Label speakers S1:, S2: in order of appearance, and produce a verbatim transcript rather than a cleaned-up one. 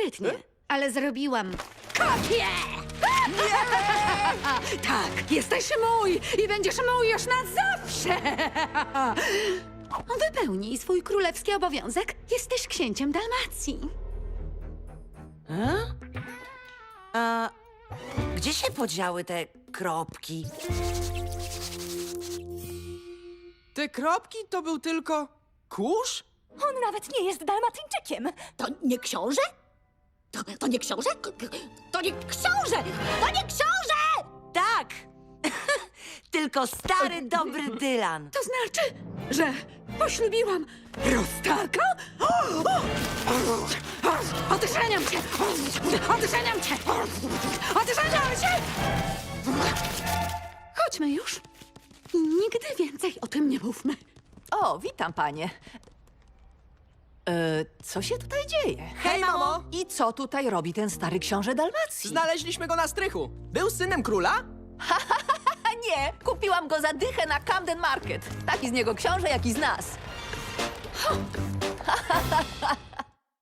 S1: Świetnie, ale zrobiłam kopię! Tak, jesteś mój i będziesz mój już na zawsze! Wypełnij swój królewski obowiązek. Jesteś księciem Dalmacji.
S2: A gdzie się podziały te kropki?
S3: Te kropki to był tylko kurz?
S4: On nawet nie jest Dalmatyńczykiem.
S5: To nie książę? To, to nie książę? K- k- To nie książę! To nie książę!
S2: Tak! Tylko stary, dobry Dylan.
S1: To znaczy, że poślubiłam prostaka? Odżeniam cię! Odżeniam cię! Odżeniam cię! Chodźmy już. I nigdy więcej o tym nie mówmy.
S6: O, witam, panie. E, co się tutaj dzieje?
S3: Hej, mamo!
S6: I co tutaj robi ten stary książę Dalmacji?
S3: Znaleźliśmy go na strychu. Był synem króla?
S6: A nie, kupiłam go za dychę na Camden Market. Taki z niego książę, jak i z nas.